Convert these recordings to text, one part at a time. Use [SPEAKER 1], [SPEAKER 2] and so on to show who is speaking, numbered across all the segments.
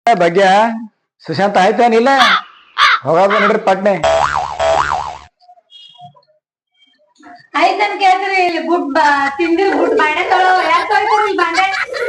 [SPEAKER 1] ಭಾಗ್ಯ ಸುಶಾಂತ ಆಯ್ತೇನಿಲ್ಲ ಹೋಗೋದು ನೋಡ್ರಿ ಪಟ್ನೆ
[SPEAKER 2] ಆಯ್ತನ್ ಕೇಳ್ತೀರಿ ಇಲ್ಲಿ ಗುಡ್ ತಿಂದಿರ್ ಗುಡ್ ಬಾಂಡೆ ತೊಳೋ ಯಾಕೆ ತೊಳಿತಾರ ಇಲ್ಲಿ ಬಾಂಡೆ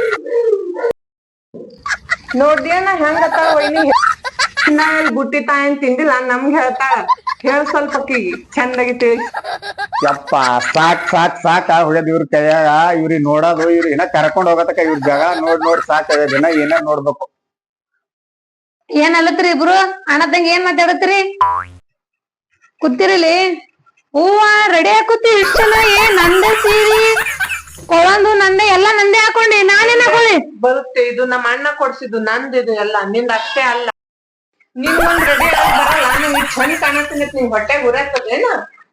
[SPEAKER 3] ನೋಡ್ದಿಯನ ಹೆಂಗತ್ತಾಳ ವೈನಿ ನಾ ಇಲ್ಲಿ ಬುಟ್ಟಿ ತಾಯನ್ ತಿಂದಿಲ್ಲ ನಮ್ಗೆ ಹೇಳ್ತಾಳ ಹೇಳ್ ಸ್ವಲ್ಪ ಅಕ್ಕಿಗೆ ಚಂದಾಗಿ ತಿಳಿಸಿ
[SPEAKER 1] ಯಪ್ಪ ಸಾಕ್ ಸಾಕ್ ಸಾಕ ಹೊಡೆದ್ ಇವ್ರ ಕೈಯಾಗ ಇವ್ರಿಗೆ ನೋಡೋದು ಇವ್ರ ಏನ ಕರ್ಕೊಂಡ್ ಹೋಗತಕ್ಕ ಇವ್ರ ಜಾಗ ನೋಡ್ ಸಾಕ್ ದಿನ ಏನ ನೋಡ್ಬೇಕು
[SPEAKER 2] ಏನ್ ಅಲ್ಲತ್ರಿ ಇಬ್ರು ಅಣ್ಣದಂಗ ಏನ್ ಮಾತಾಡತ್ರಿ ಕೂತಿರಿಲಿ ಹೂವ ರೆಡಿ ಹಾಕುತ್ತಿ ಇಷ್ಟ ಚಲೋ ನಂದೆ ಸೀರಿ ಕೊಳಂದು ನಂದೆ ಎಲ್ಲಾ ನಂದೆ ಹಾಕೊಂಡಿ ನಾನೇನ್ ಹಾಕೊಳ್ಳಿ
[SPEAKER 3] ಬರುತ್ತೆ ಇದು ನಮ್ಮ ಅಣ್ಣ ಕೊಡ್ಸಿದ್ದು ನಂದಿದು ಎಲ್ಲ ನಿಂದ ಅಷ್ಟೇ ಅಲ್ಲ ನೀನ್ ಒಂದ್ ರೆಡಿ ಆಗಿ ಬರಲ್ಲ ನಿಂಗೆ ಚಂದ ಕಾಣತೀನಿ ನಿಂಗ್ ಹೊಟ್ಟೆ ಉರತ್ತದೇನ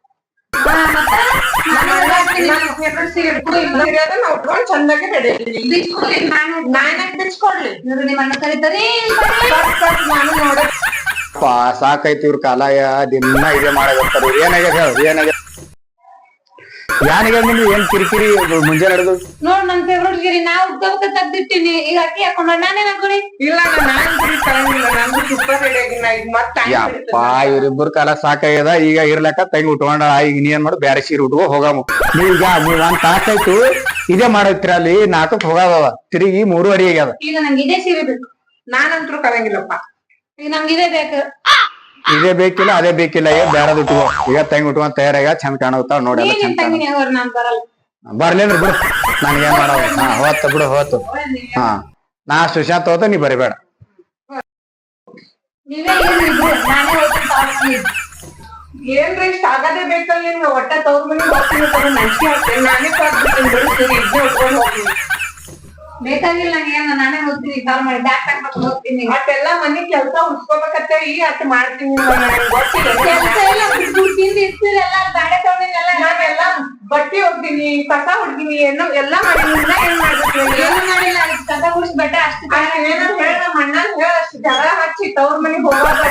[SPEAKER 3] ಉಟ್ಕೊಂಡ್ ಚಂದಾಗಿ ರೆಡಿ ನಾನೇ ಬಿಚ್ಕೊಡ್ಲಿ
[SPEAKER 2] ನಿಮ್ಮ ಅಣ್ಣ ಕರೀತಾರಿ
[SPEAKER 3] ನಾನು ನೋಡ
[SPEAKER 1] ಸಾಕೈತಿ ಇವ್ರ ಕಾಲಾಯ ದಿನ ಇದೇ ಮಾಡಕತ್ತಾರ ಇವ್ರು ಏನಾಗ್ಯದ ಹೇಳ ಏನಾಗ್ಯದ ಯಾನಿಗೆ ನಿಮ್ಗೆ ಏನ್ ಕಿರಿಕಿರಿ ಮುಂಜಾನೆ ನಡೆದು
[SPEAKER 2] ನೋಡ್ ನನ್ ಫೇವ್ರೇಟ್ ಗಿರಿ ನಾ ಉದ್ದ ತೆಗ್ದಿಟ್ಟಿನಿ ಈಗ ಅಕ್ಕಿ ಹಾಕೊಂಡ ನಾನೇನ್ ಹಾಕೊಳ್ಳಿ
[SPEAKER 3] ಇಲ್ಲ ನಾನ್ ತರಂಗಿಲ್ಲ ನಂದು ಸೂಪರ್ ರೆಡಿ ಆಗಿನ ಈಗ ಮತ್ತೆ
[SPEAKER 1] ಯಪ್ಪ ಇವ್ರಿಬ್ಬರ ಕಾಲ ಸಾಕಾಗ್ಯದ ಈಗ ಇರ್ಲಕ್ಕ ತಂಗಿ ಉಟ್ಕೊಂಡ ಈಗ ನೀ ಏನ್ ಮಾಡು ಬ್ಯಾರೆ ಸೀರೆ ಉಟ್ಕೋ ಹೋಗಾಮು ನೀವೀಗ ಒಂದ್ ತಾಸಾಯ್ತು ಇದೇ ಮಾಡೈತ್ರಿ ಅಲ್ಲಿ 4ಕ್ಕೆ ಹೋಗಾದವ ತಿರುಗಿ 3:30 ಆಗ್ಯದ
[SPEAKER 2] ಈಗ ನಂಗೆ ಇದೇ ಸೀರೆ ಬೇಕು
[SPEAKER 3] ನಾನಂತರೂ ಕರಂಗಿಲ್ಲಪ್ಪ
[SPEAKER 2] ಈಗ ನಮ್ಗೆ ಇದೇ ಬೇಕು
[SPEAKER 1] ಇದೇ ಬೇಕಿಲ್ಲ ಅದೇ ಬೇಕಿಲ್ಲ ಈಗ ಬ್ಯಾರದ್ ಉಟ್ಕೋ ಈಗ ತಂಗಿ ಉಟ್ಕೊಂಡ್ ತಯಾರಾಗ ಚಂದ ಕಾಣತಾವ ನೋಡಿ ಎಲ್ಲ ಚಂದ
[SPEAKER 2] ತಂಗಿನಿ ಅವ್ರ ನಾನ್ ಬರಲ್ಲ
[SPEAKER 1] ಬರ್ಲೇನ್ರಿ ಬಿಡು ನನ್ಗೇನ್ ಮಾಡೋದು ಹಾ ಹೋತ್ ಬಿಡು ಹೋತು ಹಾ ನಾ ಸುಶಾಂತ್ ಹೋತ ನೀ ಬರಿಬೇಡ
[SPEAKER 2] ನೀವೇ ಏನಿದ್ರು ನಾನೇ ಹೋಗ್ತೀನಿ
[SPEAKER 3] ಏನ್ರಿ ಇಷ್ಟ ಆಗದೇ ಬೇಕಲ್ಲ ನಿಮ್ಗೆ ಒಟ್ಟ ತವ್ರ ಮನೆ ಹೋಗ್ತೀನಿ ತಗೊಂಡ್ ನನ್ಸಿ ಹಾಕ್ತೇನೆ ನಾನೇ ಕೊಟ್ಬಿಡ್ತೀನಿ ಬಿಡು ಸರಿ ಇದ್ದೇ ಉಟ್ಕೊಂಡು ಹೋಗ್ತೀನಿ
[SPEAKER 2] ಬೇಕಾಗಿಲ್ಲ ನಂಗೆ ನಾನೇ ಹೋಗ್ತೀನಿ ಕಾಲ್ ಮಾಡಿ ಬ್ಯಾಗ್ ಹಾಕ್ಬೇಕು ಹೋಗ್ತೀನಿ
[SPEAKER 3] ಮತ್ತೆಲ್ಲಾ ಮನಿ ಕೆಲ್ಸ ಉಡ್ಸ್ಕೋಬೇಕತ್ತೆ ಈ ಅಟ್ ಮಾಡ್ತೀನಿ ಗೊತ್ತಿಲ್ಲ
[SPEAKER 2] ಕೆಲಸ ಎಲ್ಲ ಬಿಟ್ಟು ತಿಂದು ಇರ್ತೀರಿ ಎಲ್ಲ ಬಾಡೆ ತಗೊಂಡಿನೆಲ್ಲ
[SPEAKER 3] ನಾನೆಲ್ಲ ಬಟ್ಟಿ ಹೋಗ್ತೀನಿ ಕಸ ಹೊಡ್ತೀನಿ ಏನೋ ಎಲ್ಲಾ ಮಾಡಿನಿ ಏನ್ ಮಾಡ್ಬೇಕು
[SPEAKER 2] ಏನು ಮಾಡಿಲ್ಲ ಕಸ ಗುಡಿಸ್ ಬೆಟ್ಟ ಅಷ್ಟು
[SPEAKER 3] ಏನೋ ಹೇಳ ನಮ್ಮ ಅಣ್ಣನ್ ಹೇಳ ಅಷ್ಟು ಜಗಳ ಹಚ್ಚಿ ತವ್ರ ಮನಿಗ್ ಹೋಗೋದ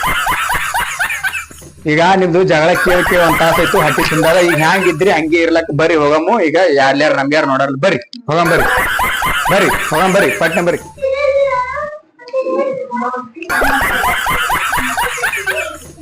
[SPEAKER 1] ಈಗ ನಿಮ್ದು ಜಗಳ ಕೇಳಿ ಒಂದ್ ತಾಸಾಯ್ತು ಹಟ್ಟಿ ತಿಂದಾಗ ಈಗ ಹ್ಯಾಂಗಿದ್ರಿ ಹಂಗೆ ಇರ್ಲಕ್ ಬರ್ರಿ ಹೋಗಮ್ಮು ಈಗ ಯಾರ್ಯಾರ ನಮ್ಗ್ಯಾರ ನೋಡಲ್ಲ ಬರ್ರಿ ಹೋಗಂ ಬರ್ರಿ ಬರ್ರಿ ಹೋಗಂ ಬರ್ರಿ ಪಟ್ನೆ ಬರ್ರಿ